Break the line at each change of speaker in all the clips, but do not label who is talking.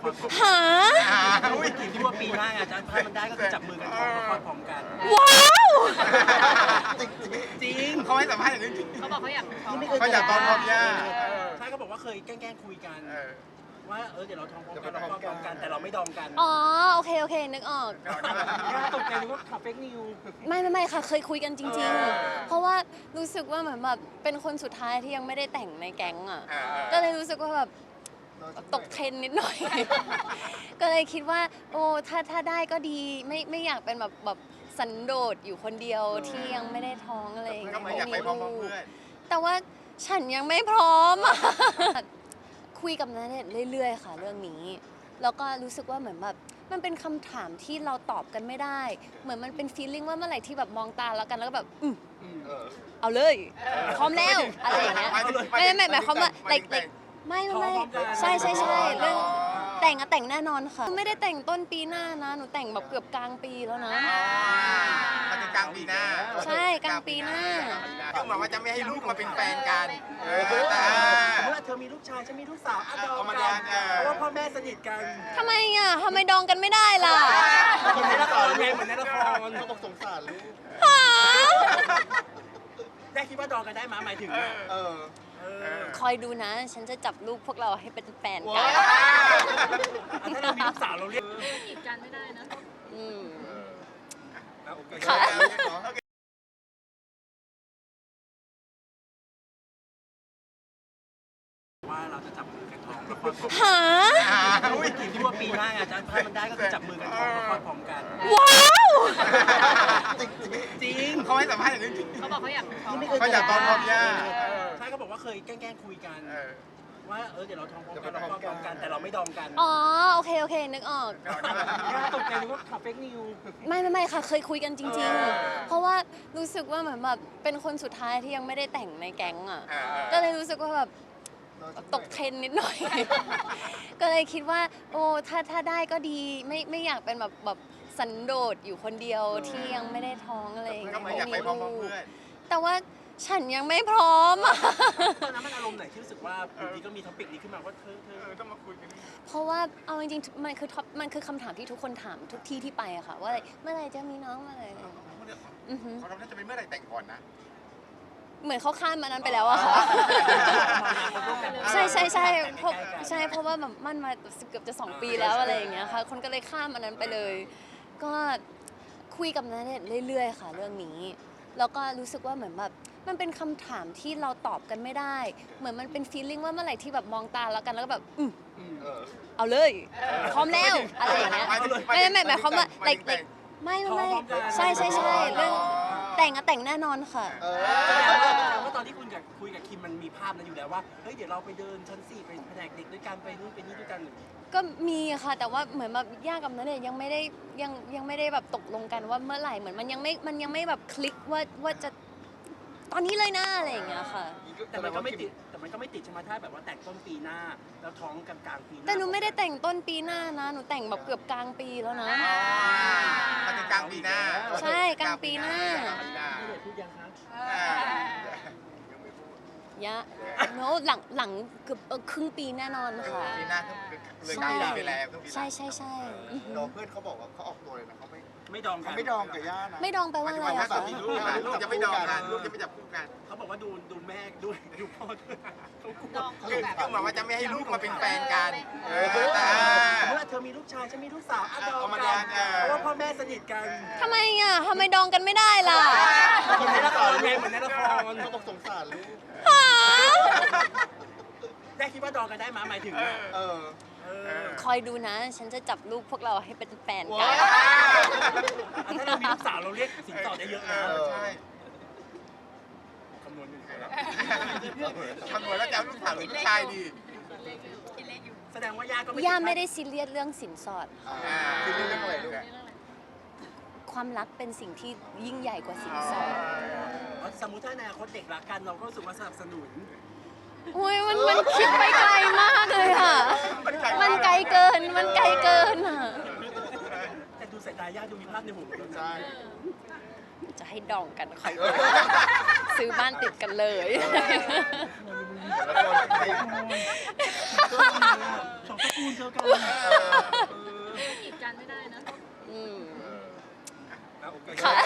คลพร้อม
หา
อุ้ยคิดว่าปีหน้าอาจจะถ้ามันได้ก็คือจับมือกันท้องละครพร้อมกัน
ว้าว
จริง
เขาให้สัมภาษณ์อย่างนี้จริง
เขาบอกเขาอยากท้อง
เขาอยากท้องพร้อมย่า
ใช่เขาบอกว่าเคยแกล้งคุยกันว่าเดี๋ยวเราท้องพร้อมกันเราคลอดพร้อมกันแต่เราไม่ดองกัน
อ๋อโอเคโอเคนึกออก
ตกใจนึกว่าข่าวเฟกนิว
ไม่ค่ะเคยคุยกันจริงๆ เพราะว่ารู้สึกว่าเหมือนแบบเป็นคนสุดท้ายที่ยังไม่ได้แต่งในแก๊งอ่ะก็เลยรู้สึกว่าแบบตกเทรนนิดหน่อย ก็เลยคิดว่าโอ้ถ้าได้ก็ดีไม่อยากเป็นแบบสันโดษอยู่คนเดียวที่ยังไม่ได้ท้องอะไรอย่างเงี้
ก็
ย
ไม่อยากไปพร้อมเพื่อน
แต่ว่าฉันยังไม่พร้อมอะ คุยกับณเดชน์เรื่อยๆค่ะเรื่องนี้ แล้วก็รู้สึกว่าเหมือนแบบมันเป็นคำถามที่เราตอบกันไม่ได้ เหมือนมันเป็นฟีลลิ่งว่าเมื่อไหร่ที่แบบมองตาแล้วกันแล้วก็แบบเอาเลยพร้อมแล้วอะไรอย่างเงี้ยไม่หมายความว่าไม่ใช่เรื่องแต่งแน่นอนค่ะไม่ได้แต่งต้นปีหน้านะหนูแต่งแบบเกือบกลางปีแล้วนะ
มันจะกลางปีหน้า
ใช่กลางปีหน้า
ก็หมายว่าจะไม่ให้ลูกมาเป็นแฟนกันแต่
เมื่อเธอมีลูกชายฉันมีลูกสาวดอง
เอามา
กั
ด
น
อง
เพราะว่าพ่อแม่สนิทกัน
ทำไมอ่ะทำไมดองกันไม่ได้ล่ะ
เหมือนในละครไงเหมือนในละคร
เขาบอกสงสารลูก
หา
ได้คิดว่าดองกันได้มาหมายถึง
คอยดูนะ ฉันจะจับลูกพวกเราให้เป็นแฟนกั
ว้าน
ถ้าเรามีลูกสาวเราเรียก
กีดกันไม่ได้นะ
อืม
ค่ะ
ว่าเราจะจับมือกันท้องละครพร้อม
หา
อุ้ยคิดว่าปีหน้าอาจจะถ้ามันได้ก็คือจับมือกันท้องละครพร้อมกัน
ว้าว
จริง
เขาให้สัมภาษณ์อย่างนี้จริง
เขาบอกเขาอยากท้อง
เขาอยากท้องพร้อมย่า
ใช่เขาบอกว่าเคยแกล้งคุยกันว่าเดี๋ยวเราท้องพร้อมกันเราคลอดพร้อมกันแต่เราไม่ดองกัน
อ๋อโอเคนึกออก
ตกใจนึกว่าข่าวเฟกนิว
ไม่ค่ะเคยคุยกันจริงๆ เพราะว่ารู้สึกว่าเหมือนแบบเป็นคนสุดท้ายที่ยังไม่ได้แต่งในแก๊งอ่ะก็เลยรู้สึกว่าแบบตกเทรนนิดหน่อย ก็เลยคิดว่าโอ้ถ้าได้ก็ดีไม่อยากเป็นแบบสันโดษอยู่คนเดียวที่ยังไม่ได้ท้องอะไรอย่าง
ก็
เงี้ย
ไม่อยากไปพร้อมเพื่อน
แต่ว่าฉันยังไม่พร้อมอะ
ตอนนั้นมันอารมณ์ไหนที่รู้สึกว่าอยู่ดีก็มีท็อปิกนี้ขึ้นมาว่าเธอ
ต้องมาคุยกัน
เพราะว่าเอาจริงๆมันคือคำถามที่ทุกคนถามทุกที่ที่ไปอะค่ะว่าเมื่อไหร่จะมีน้องเมื่อไหร่
เขาต้องจะเป็นเมื่อไหร่แต่งก่อนนะ
เหมือนเขาข้ามมานั้นไปแล้วอะค่ะ ใช่เพราะว่าแบบมั่นมาเกือบจะ2 ปีแล้วอะไรอย่างเงี้ยค่ะคนก็เลยข้ามอันนั้นไปเลย ก็คุยกับณเดชน์เรื่อยๆค่ะเรื่องนี้ แล้วก็รู้สึกว่าเหมือนแบบมันเป็นคำถามที่เราตอบกันไม่ได้ เหมือนมันเป็นฟีลลิ่งว่าเมื่อไหร่ที่แบบมองตาแล้วกันแล้วก็แบบเอาเลยพร้อมแล้วอะไรอย่างเงี้ยไม่หมายความว่าไม่ใช่เรื่องแต่งแน่นอนค่ะ
แสดงว่าตอนที่คุณคุยกับคิมมันมีภาพนั้นอยู่แล้วว่าเฮ้ยเดี๋ยวเราไปเดินชั้น 4ไปแผนกเด็กด้วยกันไปนู่นไปนี่ด้วยกัน
ก็มีค่ะแต่ว่าเหมือนแบบย่ากับณเดชน์ยังไม่ได้แบบตกลงกันว่าเมื่อไหร่เหมือนมันยังไม่แบบคลิกว่าจะตอนนี้เลยนะอะไรอย่างเงี้ยค่ะ
แต่มันก็ไม่ติดใช่ไหมถ้าแบบว่าแต่งต้นปีหน้าแล้วท้องกลางปีหน้า
แต่หนูไม่ได้แต่งต้นปีหน้านะหนูแต่งแบบเกือบกลางปีแล้วนะ
มันจะกลางปีหน้า
ใช่กลางปีหน้า
พี่เดชพูดยังคะ
ยะโน้หลังเกือบครึ่งปีแน่นอนค่ะ
ปีหน้าเลยได้ไปแล้ว
ใช่
น้องเพื่อนเขาบอกว่าเขาออกตัวเลยนะเขา
ไม่ดองกัน
ไม่ดองกับย่านะ
ไม่ดองแปลว่าอะไร
ถ้า
อะ
ตอน
คะ
มีลูกลูกจะไม่ดองกันลูกจะไม่จับคู่กัน
เขาบอกว่าดูแม่ด้วยดูพ่อด้วยเขากลัว
ก็หมายว่าจะไม่ให้ลูกมาเป็นแฟนกันแต่
เมื่อเธอมีลูกชายฉันมีลูกสาวดอง
เอามาด
กั
อน ง
เพราะว่าพ่อแม่สนิทกัน
ทำไมอ่ะทำไมดองกันไม่ได้ล่ะ
เหมือนในละครไงเหมือนในละคร
เขาบอกสงสารลูก
หา
ได้คิดว่าดองกันได้มาหมายถึง
คอยดูนะ ฉันจะจับลูกพวกเราให้เป็นแฟนกั
ว้าน
ถ้าเรามีลูกสาวเราเรียกสินสอดได้เยอะนะ
ใช่
คำนวณอยู่
คำนวณแล้วจะเอาลูกสาวหรือลูกชายดี
แสดงว่าย่าก็
ย่าไม่ได้ซีเรียสเรื่องสินสอด
คือเรื่องอะไรลูก
ความรักเป็นสิ่งที่ยิ่งใหญ่กว่าสินสอด
สมมุติถ้าในอนาคตเด็กรักกันเราก็รู้สึกว่าสนับสนุน
โอ้ยมันคิดไปไกลมากเลยค่ะ มันไกลเกินอ่ะ
แต่ดูสายตาย่าดูมีภาพในหัวเรา
ใช่
จะให้ดองกันคอยดูซื้อบ้านติดกันเลย
แล้วคน
สองตระกูลเจอกัน
กีดกันไม่ได้นะ
อืม
โอเค
ค่ะ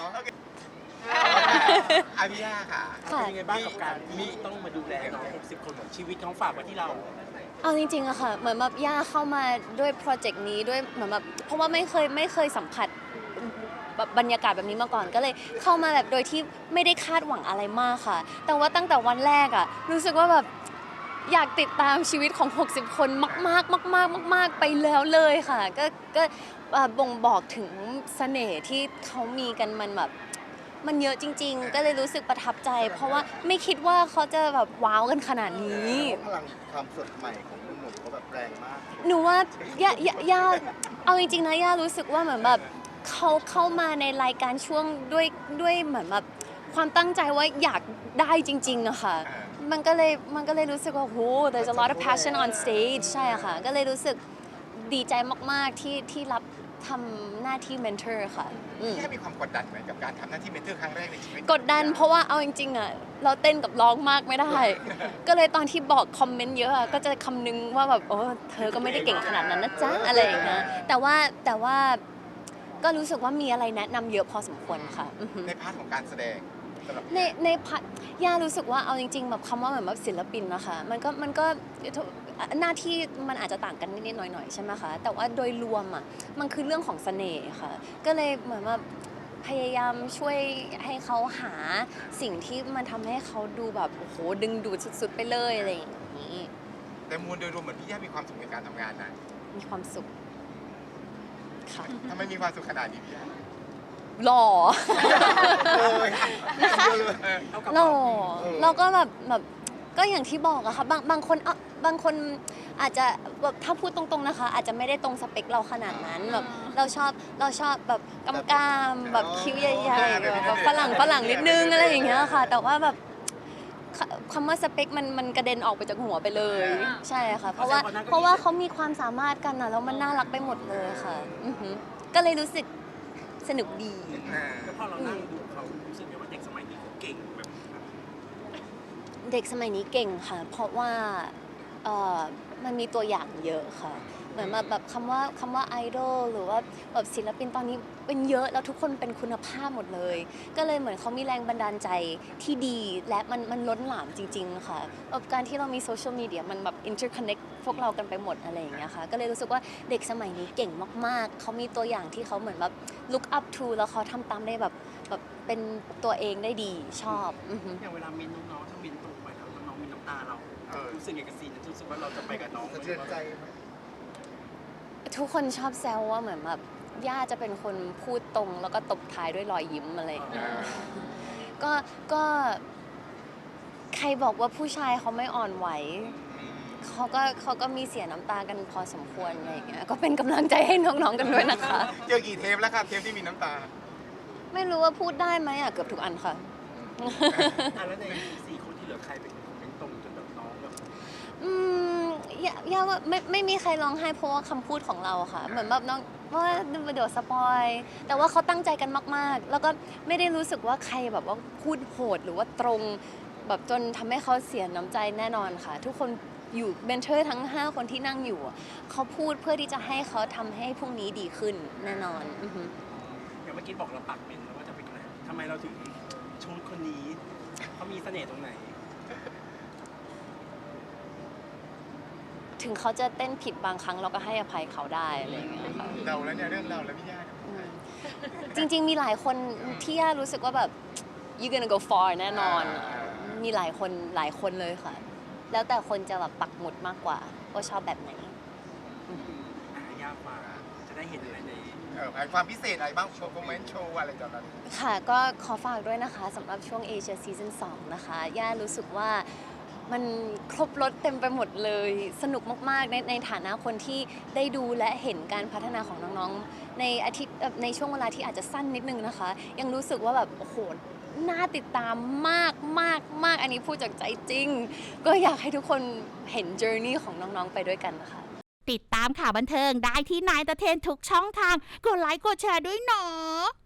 อาพี่ย่าค่ะ
ค่ะ
เป็นยังไงบ้างกับการที่ต้องมาดูแลน้อง60 คนของชีวิตน้องฝากไว้ที่เรา
เอาจริงๆอะค่ะ เหมือนแบบย่าเข้ามาด้วยโปรเจกต์นี้ด้วยเหมือนแบบเพราะว่าไม่เคยสัมผัสแบบบรรยากาศแบบนี้มาก่อน ก็เลยเข้ามาแบบโดยที่ไม่ได้คาดหวังอะไรมากค่ะ แต่ว่าตั้งแต่วันแรกอะรู้สึกว่าแบบอยากติดตามชีวิตของ 60 คนมากๆไปแล้วเลยค่ะ ก็บ่งบอกถึงเสน่ห์ที่เขามีกันมันเยอะจริง ๆ ก็เลยรู้สึกประทับใจ เพราะว่าไม่คิดว่าเขาจะแบบว้าวกันขนาดนี้
พลังความสดใหม่ของหนุ่มๆเขาแบบแรงมาก
หนูว่าย่าเอาจริงๆนะย่ารู้สึกว่าเหมือนแบบเขาเข้ามาในรายการช่วงด้วยเหมือนแบบความตั้งใจว่าอยากได้จริงๆอะค่ะ มันก็เลยรู้สึกว่าโห there's a lot of passion on stage ใช่อะค่ะ ก็เลยรู้สึกดีใจมากๆที่รับทำหน้าที่ mentor ค่ะอืม
พี่ย่ามีความกดดันไหมกับการทำหน้าที่เมนเทอร์ครั้งแรกในชีวิต
กดดันเพราะว่าเอาจริงๆอะเราเต้นกับร้องมากไม่ได้ ก็เลยตอนที่บอกคอมเมนต์เยอะอะก็จะคำนึงว่าแบบโอ้เธอก็ไม่ได้เก่งขนาดนั้นนะจ๊ะอะไรอย่างเงี้ยแต่ว่าก็รู้สึกว่ามีอะไรแนะนำเยอะพอสมควรค่ะอือฮึ
ในพาร์ทของการแสดงสำหรับ
ในพาร์ทย่ารู้สึกว่าเอาจริงๆแบบคำว่าเหมือนแบบศิลปินนะคะมันก็หน้าที่มันอาจจะต่างกันนิดๆหน่อยๆใช่ไหมคะแต่ว่าโดยรวมอ่ะมันคือเรื่องของเสน่ห์ค่ะก็เลยเหมือนว่าพยายามช่วยให้เขาหาสิ่งที่มันทำให้เขาดูแบบโอ้โหดึงดูดสุดๆไปเลยอะไรอย่างนี้
แต่มวลโดยรวมเหมือนพี่ย่ามีความสุขในการทำงานนะ
มีความสุขค่ะ
ทำไมมีความสุขขนาดนี้พี่ย่า
หล่อ
เลยนะคะ
เท่ากับ
หล่อเราก็แบบก็อย่างที่บอกอะค่ะบางคนอาจจะแบบถ้าพูดตรงๆนะคะ อาจจะไม่ได้ตรงสเปคเราขนาดนั้นแบบเราชอบแบบกำๆแบบคิ้วใหญ่ๆแบบฝรั่งนิดนึงอะไรอย่างเงี้ยค่ะ แต่ว่าแบบคำว่าสเปคมันกระเด็นออกไปจากหัวไปเลย ใช่ค่ะ เพราะว่าเขามีความสามารถกันนะแล้วมันน่ารักไปหมดเลยค่ะอือหือก็เลยรู้สึกสนุกดี
แล้วพอเรานั่งดูเขารู้สึกไงว่าเด็กสมัยนี้เขาเก่งแบบ
เด็กสมัยนี้เก่งค่ะ เพราะว่ามันมีตัวอย่างเยอะค่ะ เหมือนแบบคำว่าไอดอลหรือว่าแบบศิลปินตอนนี้เป็นเยอะแล้วทุกคนเป็นคุณภาพหมดเลย ก็เลยเหมือนเขามีแรงบันดาลใจที่ดีและมันล้นหลามจริงๆค่ะแบบการที่เรามีโซเชียลมีเดียมันแบบ interconnect พวกเรากันไปหมดอะไรอย่างเงี้ยค่ะก็เลยรู้สึกว่าเด็กสมัยนี้เก่งมากๆเขามีตัวอย่างที่เขาเหมือนแบบ look up to แล้วเขาทำตามได้แบบเป็นตัวเองได้ดีชอบอือฮึ
อย่างเวลามินน้องๆถ้ามินโตไปแล้วน้องๆมีน้ำตาเรารู้สึกไงกับซีนนั้นรู้สึกว่าเราจะไปกับน้อง
สะเทือนใจไหม
ทุกคนชอบแซวว่าเหมือนแบบย่าจะเป็นคนพูดตรงแล้วก็ตบท้ายด้วยรอยยิ้มอะไรอย่างเงี้ยก็ใครบอกว่าผู้ชายเขาไม่อ่อนไหวเขาก็มีเสียน้ำตากันพอสมควรอะไรอย่างเงี้ยก็เป็นกำลังใจให้น้องๆกันด้วยนะคะ
เจอกี่เทปแล้วครับเทปที่มีน้ำตา
ไม่รู้ว่าพูดได้ไหมอ่ะเกือบทุกอันค่ะ
แล้วใน4 คนที่เหลือใครเป็นคนเป็นตรงจนแบบน้องแบบ
ย่าว่าไม่มีใครร้องไห้เพราะว่าคำพูดของเราค่ะ เหมือนแบบน้องว่าเดี๋ยวสปอยแต่ว่าเขาตั้งใจกันมากๆ แล้วก็ไม่ได้รู้สึกว่าใครแบบว่าพูดโหดหรือว่าตรงแบบจนทำให้เขาเสียน้ำใจแน่นอนค่ะ ทุกคนอยู่เบนเทอร์ทั้ง5 คนที่นั่งอยู่เขาพูดเพื่อที่จะให้เขาทำให้พรุ่งนี้ดีขึ้นแน่นอนอือฮึ
อย่างเมื่อกี้บอกเราปักเป็นแล้วว่าจะเป็นอะไรทำไมเราถึงชูดคนนี้เขามีเสน่ห์ตรงไหน
ถึงเขาจะเต้นผิดบางครั้งเราก็ให้อภัยเขาได้อะไรอย่างเงี้ยค่ะ
เราแล้วเนี่ยเรื่องเราแล้วพี่ย่า
จริงๆมีหลายคนที่ย่ารู้สึกว่าแบบ you gonna go far แน่นอน มีหลายคนเลยค่ะ แล้วแต่คนจะแบบปักหมุดมากกว่าว่าชอบแบบไหน
ยากกว่าจะได้เห็นอะไรใน
ความพิเศษอะไรบ้างโชว์คอมเมนต์โชว์อะไรตอนนั้น
ค่ะก็ขอฝากด้วยนะคะสำหรับช่วง Asia Season 2 นะคะ ย่ารู้สึกว่ามันครบรถเต็มไปหมดเลย สนุกมากๆในฐานะคนที่ได้ดูและเห็นการพัฒนาของน้องๆในช่วงเวลาที่อาจจะสั้นนิดนึงนะคะ ยังรู้สึกว่าแบบโอ้โหน่าติดตามมากอันนี้พูดจากใจจริง ก็อยากให้ทุกคนเห็น journey ของน้องๆไปด้วยกันนะคะ
ติดตามข่าวบันเทิงได้ที่นายตะเทนทุกช่องทาง กดไลค์กดแชร์ด้วยเนาะ